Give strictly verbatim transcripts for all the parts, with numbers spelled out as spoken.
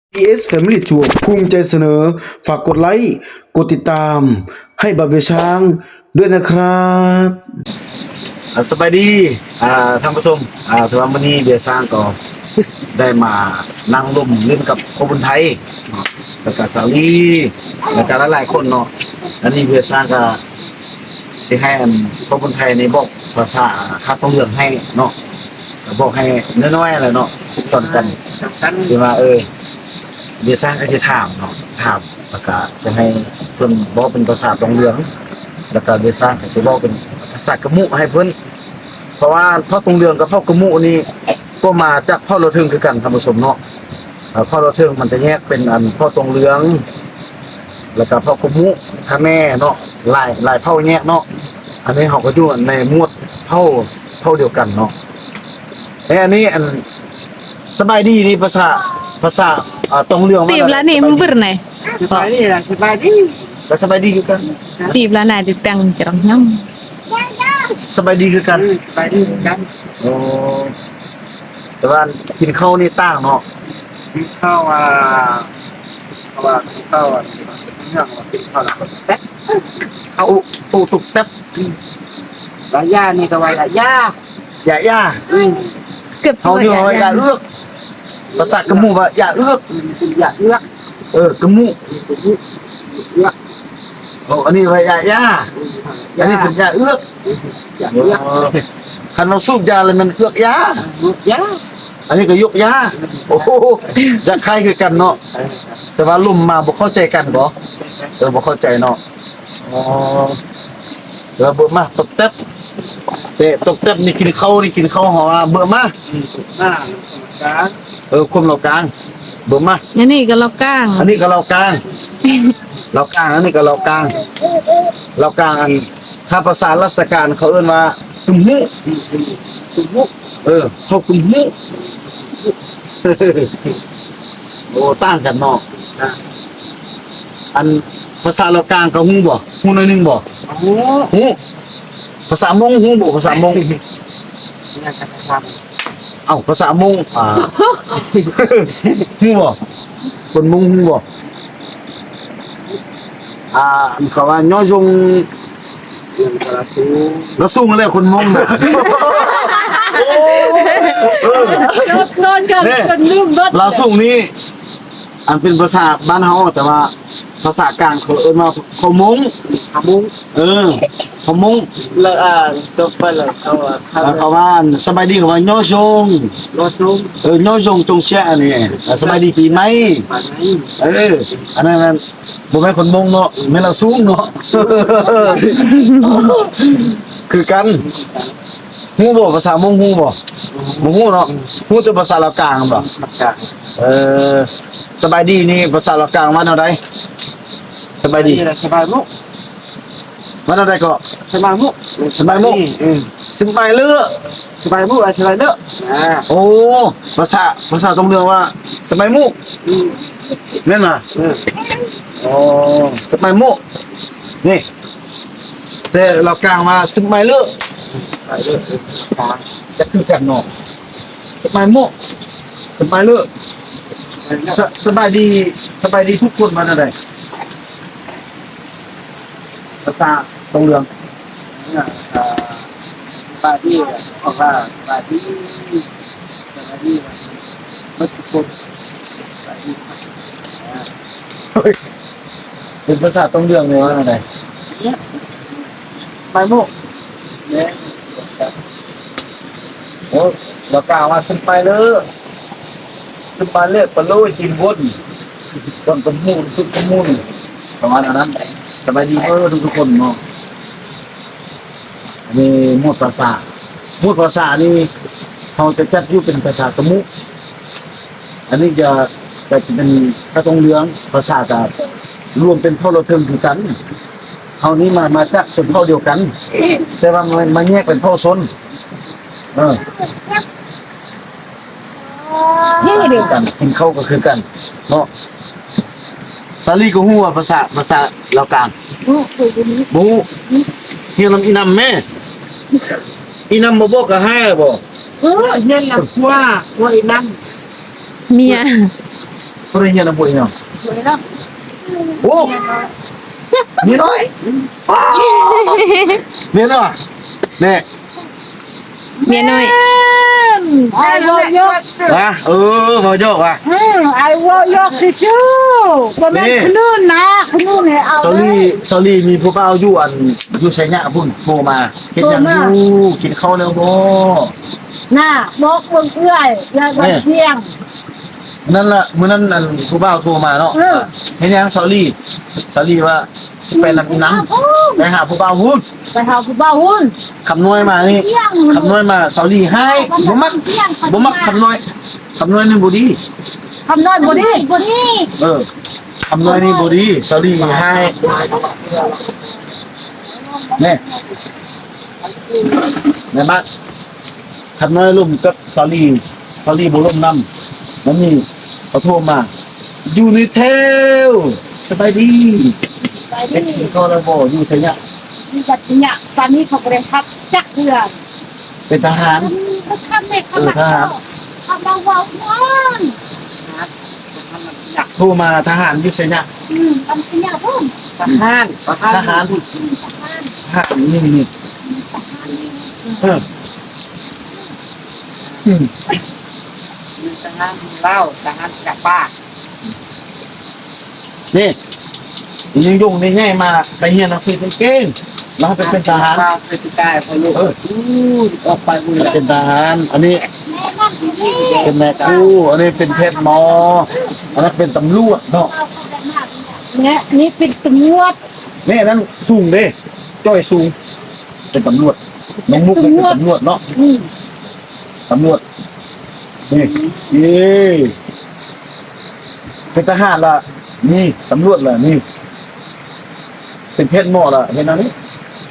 อี เอส Family Tour ภูมิใจเสนอฝากกดไลค์กดติดตามให้บาเบียช้างด้วยนะครับอ่าสบายดีอ่าท่านผู้ชมอ่าถือว่าวันนี้เบียร์สร้างก็ได้มานั่งร่วมเล่นกับคนไทยเนาะแล้วก็สาวลีแล้วก็หลายๆคนเนาะอันนี้เบียร์สร้างก็สิให้อันคนไทยในบอกภาษาคัดต้องเรื่องให้เนาะก็บอกให้น้อยๆอะไรเนาะสิสอนกันคือว่าเออเบียร์สร้างก็สิถามเนาะถามแล้วก็สิให้เพิ่นบอกเป็นภาษาตรงเรื่องแล้วก็เบียร์สร้างก็สิบอกเป็นภาษากะมุให้เพิ่นเพราะว่าพ่อตรงเรืองกับพ่อกระมุนี่ก็มาจากพ่อเราถึงคือกันท่านผู้ชมเนาะพ่อเราถึงมันจะแยกเป็นอันพ่อตรงเรือง แล้วก็พ่อกระมุข้าแม่เนาะหลายหลายเผ่าแยกเนาะอันนี้เขาก็อยู่ในหมวดเผ่าเผ่าเดียวกันเนาะไอ้อันนี้อันสบายดีนี่ภาษาภาษาตรงเรืองตีบละนี่มึงเปิดไหนสบายดีนะสบายดีก็สบายดีคือกันตีบละไหนติดตังจะร้องน้ำสบายดีคือกันสบายดีคือกันโอ้แต่ว่ากินข้าวนี่ต่างเนาะกินข้าวอ่ะเพราะว่ากินข้าวอ่ะเรื่องว่ากินข้าวแล้วก็แต๊ะข้าวปูตุกแต๊บลาย่านี่ก็ว่าลาย่าอย่าย่าอืมเกือบเขาอยู่ว่าอย่าเลือกภาษากระมูว่าอย่าเลือกอยากเลือกเออกระมูเลือกโอ้อันนี้ว่าอย่าย่าอันนี้เป็นอย่าเลือกอยากเลือกคันเราสูบยาเลยมันเลือกยาเลือกย่าอันนี้ก็ยกยาโอ้โหจะใครคือกันเนาะแต่ว่าลุ่มมาบ่เข้าใจกันบ่เออบ่เข้าใจเนาะอ๋อแล้วเบิ่มาตกแต๊บเตะตกแต๊บนี่กินข้าวนี่กินข้าวหอเบิ่มาหน้าการเออคุมเรากลางเบิ่มานี่นี่ก็เราก้างอันนี้ก็เรากลาง เรากลางอันนี้ก็เรากลาง เรากลางอันถ้าภาษาราชการเขาเอิ้นว่ากุมหูตุ้มมุกเออเขากุมหูโอ้ต่างกันเนาะอันภาษาเรากลางเขาฮู้บ่ฮู้หน่อยหนึงบ่โอ้โหฮู้ภาษามงฮู้บ่ภาษามงนี่การทเอ้าภาษามงอ่า ฮู้บ่คนมงฮู้บ่อ่าอันเขาว่าย่อยงำเรื่องกระสูแล้วสู้กันเลยคนมงน่ะเออนอนกันเนี่ยคนลืมรถลาวสูงนี่อันเป็นภาษาบ้านเฮาแต่ว่าภาษากลางเขาเอิ้นว่าเขามงขมุงเออเขามงแล้วอ่าตกไปเลยเขาอ่ะเขาแล้วเขาว่าสบายดีเขาว่าย่อจงรถสูงเออย่อจงจงเสียอันนี้อ่ะสบายดีปีไหมมาไหนเอออันนั้นมันบ่แม่นคนมงเนาะแม่นเราสูงเนาะ คือกันฮู้บ่ภาษามงฮู้บ่บ่ฮู้เนาะฮู้แต่ภาษาลาวกลางบ่มาจากเออสบายดีนี่ภาษาลาวกลางว่าแนวใดสบายดีนี่แหละสบายมุกว่าแนวใดก็สบายมุกสบายมุกอืมสบายเลือสบายมุกอะไรสบายเด้ออ่าโอ้ภาษาภาษาตรงเรื่องว่าสบายมุกอืมแม่นบ่อืมอ๋อสบายมุกนี่แต่ลาวกลางว่าสบายเลือไปเด้อตาจะคือกันเนาะสบายมุกสบายเลือไปเด้อสสบายดีสบายดีทุกคนมาแนวใดภาษาตรงเรื่องเนี่ยอ่าบาดี้อ่ะบอกว่าบาดี้บาดี้มันทุกคนบาดี้อ่าเป็นภาษาตรงเรื่องเลยว่าอะไรเนี่ยไปมุกเนี่ยโอ้เรากล่าวว่าสบายเลยสบายเลยปลาโลยกินบนต้นกระมูลทุกกระมูลประมาณนั้นสบายดีเออทุกทุกคนเนาะอันนี้หมวดภาษาหมวดภาษานี่เขาจะจัดอยู่เป็นภาษากระมุอันนี้จะจะเป็นกระตรงเรืองภาษากับรวมเป็นเท่าเราเทิงคือกันเขานี้มามาจากชนเผ่าเดียวกัน แต่ว่ามันมันแยกเป็นเผ่าชนเออนี่เดียวกันกินข้าวก็คือกันเนาะสาลีก็ฮู้ว่าภาษาภาษาลาวกลางบ่ฮู้เฮียนำอีนำแม่อีนำบ่บอกก็ให้บ่เออเนี่ยแหละกว่าว่าไอ้นั่นเมียก็ได้เฮียนบ่อีเนาะสวยเนาะโอ้นี่น้อยเนี่ยเนาะเนี่ยเมียน้อยไอ้วอยกว่ะเออบ่โยกว่ะอืมไอ้วอยกสิชูบ่แม่นขนุนนะขนุนให้เอาซอรี่ซอรี่มีผู้บ่าวอยู่อันอยู่ไสยะพุ่นโทรมาเฮ็ดหยังอยู่กินข้าวแล้วบ่น่ะบอกเบิ่งเอื้อยยายบ่เที่ยงนั่นล่ะมื้อนั้นอันผู้บ่าวโทรมาเนาะเออเฮ็ดหยังซอรี่ซอรี่ว่าสิไปนำอีหนังไปหาผู้บ่าวพุ่นไปหาผู้บ่าวหุ่นคำนวยมานี่คำนวยมาซอรี่ให้บ่มักบ่มักคำนวยคำนวยนี่บ่ดีคำน้อยบ่ดีบ่ดีเออคำนวยนี่บ่ดีซอรี่ให้แน่แม่บ้านคำนวยร่วมกับซอรี่ซอรี่บ่ร่วมนำมันนี่เขาโทรมาอยู่ในเทลสบายดีไปเด็กดีกินข้าวแล้วบ่อยู่ไสเนี่ยมีกัดสิเนี่ยตอนนี้เขาก็ได้พักจักเดือนเป็นทหารเขาทำไม่ขนาดเขาทำเบาๆนอนโทรมาทหารอยู่ไสเนี่ยอืมทำขยะพุ่มทหารทหารทหารทหารทหารนี่นี่ทหารนี่เอออืมมีทหารเล่าทหารกับป้านี่ยิงยุ่งนี่ง่ายมาไปเรียนหนังสือเก่งๆแล้วไปเป็นทหารป้าเป็นกายพอลูกเอออู้ออกไปบุญเป็นทหาร อันนี้แม่นั่งอยู่นี่เป็นแม่ครูอันนี้เป็นเพชรหมอ อันนั้นเป็นตำรวจเนาะเอาเข้าไปมากเนี่ยนี่เป็นตำรวจนี่อันนั้นสูงเด้จ้อยสูง เป็นตำรวจน้องมุกเป็นตำรวจเนาะอืมตำรวจนี่นี่เป็นทหารล่ะนี่ตำรวจล่ะนี่ เป็นเพชรหมอล่ะเห็นอันนี้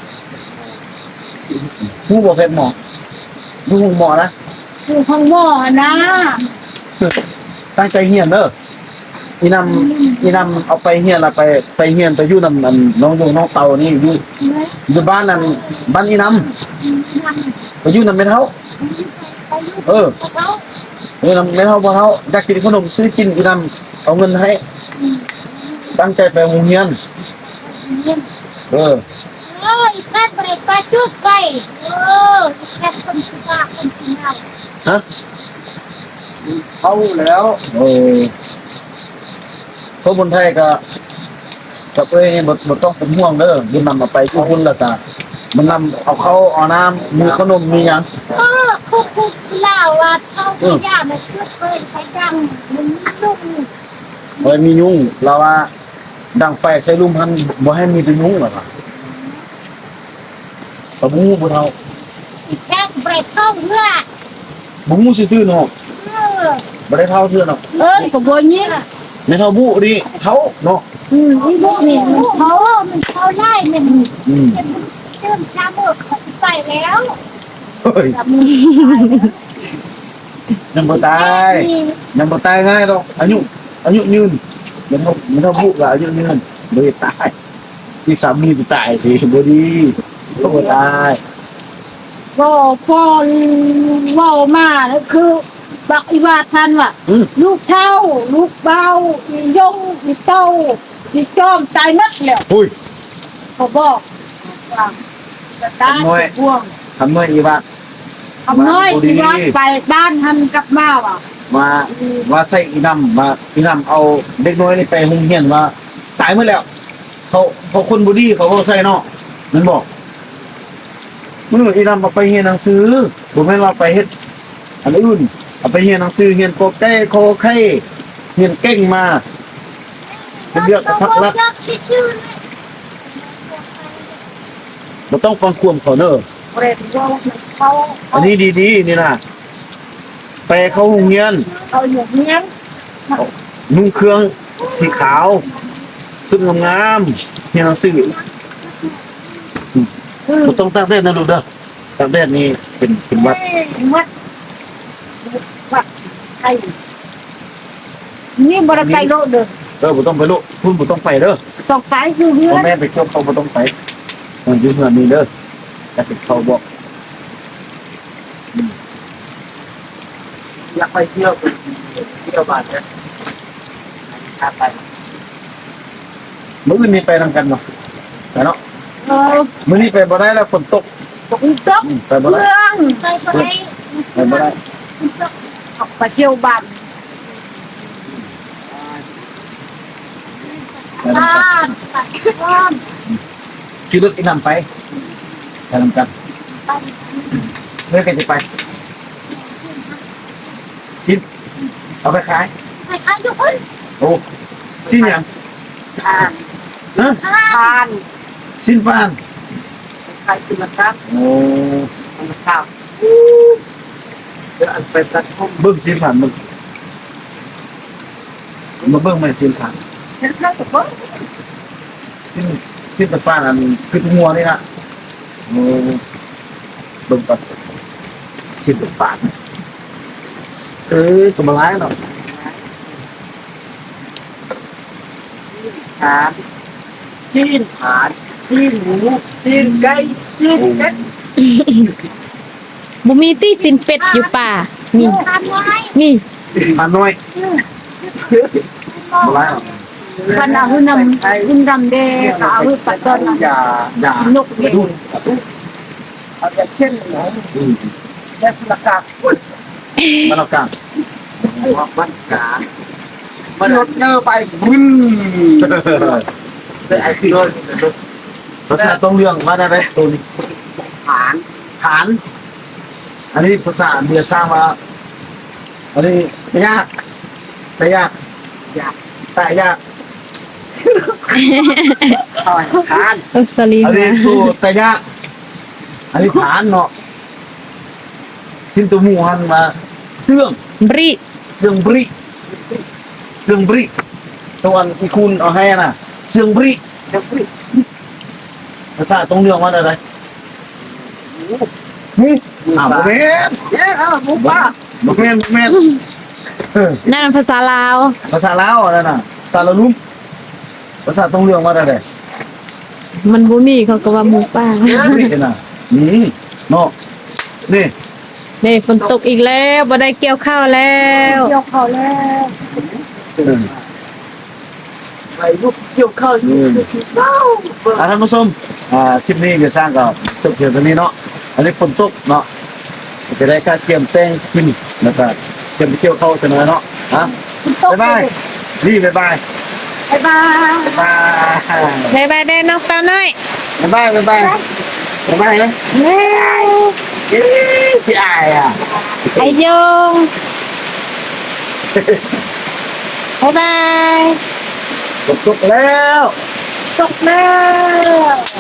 ผู้บอกเพชรหมอผู้หมอนะคือห้องหม้อนะตั้งใจเฮียนเด้ออีนำอีนำเอาไปเฮียนละไปไปเฮียนไปอยู่นำอันน้องยงน้องเตานี่อยู่อยู่บ้านนั่นบ้านอีนำไปอยู่นำไม่เท่า เออเขาเออนำไม่เท่าบ่เท่าอยากกินขนมซื้อกินอีนำเอาเงินให้ ตั้งใจไปโรงเรียน เออเอออีกแค่ไปไปจุดไปเอออีกแค่คนสุภาพคนสุภาพฮะเข้าแล้วเออคนบนไทยก็กับเอ้ยบ่บ่ต้องเป็นห่วงเด้อยืนนำมาไปทุกคนแล้วก็มันนำเอาเขาเอาน้ำมีขนมมีหยังเออคุกคุกเล่าว่าเขาไม่ยากเลยจุดไปใช้ดังมันลุ่มเอ้ยมียุงเราว่าดังไฟใส่ลุมพันบ่ให้มีแต่ยุงหรอกอะบ่มูบ่เท่าอีกแค่ไปเข้าเรือบ่มูซื่อๆเนาะเออบ่ได้เท่าเทื่อเนาะเออกับโบนี้ในเท่าบุดิเท่าเนาะอืมอีโบนี่มันเขามันเขาไล่มันอืมเป็นเริ่มช้าเมื่อเขาไปแล้วเฮ้ยแต่มึงยังบ่ตายยังบ่ตายง่ายดอกอายุอายุยืนยังบ่มันเท่าบุล่ะอายุยืนบ่ได้ตายที่สามีจะตายสิบ่ดีก็บ่ตายก็พ่อว่ามาแล้วคือบักอีวาทันว่ะอืมลูกเช่าลูกเบาอียงอีเต้าอีจอมตายนักแล้วอุ้ยเขาบอกว่าจะตายพวงทำน้อยอีว่าทำน้อยอีวาไปบ้านทันกลับมาว่ะว่าว่าใส่อีนำว่าอีนำเอาเด็กน้อยนี่ไปโรงเรียนว่า ตายหมดแล้ว เขาเขาคนบ่ดีเขาก็ใส่เนาะมันบอกมื้ออีนำเอาไปเรียนหนังสือบ่แม่นว่าไปเฮ็ดอันอื่นเอาไปเรียนหนังสือเรียนโกแก้โคไข่เรียนเก่งมาเป็นเรื่องพักรักชื่อเลยบ่ต้องฟังความเขาเด้อเรนว่าเขาอันนี้ดีๆนี่นะไปเข้าโรงเรียนเขาอยู่เนี้ยนุ่งเครื่องสีขาวสุดงามๆเรียนหนังสือคือบ่ต้องตากแดดนะลูกเด้อตากแดดนี่เป็นเป็นหวัดวัดวัดไทยนี่บริไกลโลเด้อเออบ่ต้องไปโลกคุณบ่ต้องไปเด้อต้องไปอยู่เรืพ่ออแม่ไปเที่ยวเขาบ่ต้องไปเอออยู่เฮือนนี่เด้อแต่เป็นเขาบอกอยากไปเที่ยวไปเที่ยวบ้านเนี่ยพาไปมื้อนี้ไปนำกันเนาะไปเนาะเออมื้อนี้ไปบ่ได้แล้วฝนตกตกตกอืมไปบ่เมืได้องไปไปไปบ่ได้ออกไปเที่ยวบ้านไปนำบ้ากันนบ้านขี่รถอีกนำไปไปนำกันบ้านเมื่อกันจะไปชิ้นเอาไปขายใครใครทุกคนโอ้ชิ้นหยังทานฮะทานชิ้นฟานใครกินมาครับโอ้มันข้าวเดี๋ยวอันไปตัดผมเบิ่งชิ้นฟานมึงมาเบิ่งไม่ชิ้นฟานฉันเคยกับเบิ้งชิ้นชิ้นตะฟานอันคือตัวงัวนี่นะโอ้เบิ่งก่อนชิ้นตะฟานเอ้ยตัวมาร้ายเนาะทานชีนผานชีนหมูชีนไก่ชีนเป็ดบ่มีตี้สินเป็ดอยู่ป่า มีทำไว้มีมาน้อยมาร้ายเนาะขณะหุ่นนำหุ่นนำเด็กเอาหุ่นปัดต้นอย่าอย่านกเด็กดูเอาแต่เส้นหมูอืมและพลกาพุดมาเอากลางหัวมันกามันรถเนอไปบึ้นเลยไอ้ที่รถภาษาต้องเรื่องมาได้ไหมตัวนี้ผานฐาน อันนี้ภาษาเบียร์สร้างมา อันนี้แต่ยากแต่ยากอยากแต่ยากต่อยทานโอ้สลีอันนี้มาตัวแต่ยากอันนี้ฐานเนาะสิ้นตัวหมูหันมาเสื่องบริเสื่องบริเสื่องบริตัวอันอีคุณเอาให้น่ะเสื่องบริเดี๋ยวพี่ภาษาต้องเรื่องมาได้ไหมนี่อ่าโมเมนเย้เอาหมูป่าโมเมนโมเมนเออนั่นนะภาษาลาวภาษาลาวอะไรน่ะภาษาละลุ่มภาษาต้องเรื่องมาได้ไหมมันบ่มีเขาก็ว่าหมูป่านี่น่ะนี่เนาะนี่นี่ฝนตกอีกแล้วบ่ได้เกี่ยวข้าวแล้วเกี่ยวเขาแล้วเออไปลูกเกี่ยวข้าวอยู่ที่เฝ้าเบิ่งอ่าท่านผู้ชมอ่าคลิปนี้จะสร้างกับจบเพียงเท่านี้เนาะอันนี้ฝนตกเนาะจะได้การเตรียมแต่งกินแล้วก็เตรียมไปเที่ยวเข้าจะน้อยเนาะฮะตกบ๊ายบายนี่บ๊ายบายบายบายบ๊ายบายบ๊ายบายเด้อน้องเต้าน้อยบ๊ายบายบ๊ายบายบ๊ายบายนะแล้วเอ๊ะพี่อายอ่ะไอยงบ๊ายบายฝนตกแล้วตกแล้ว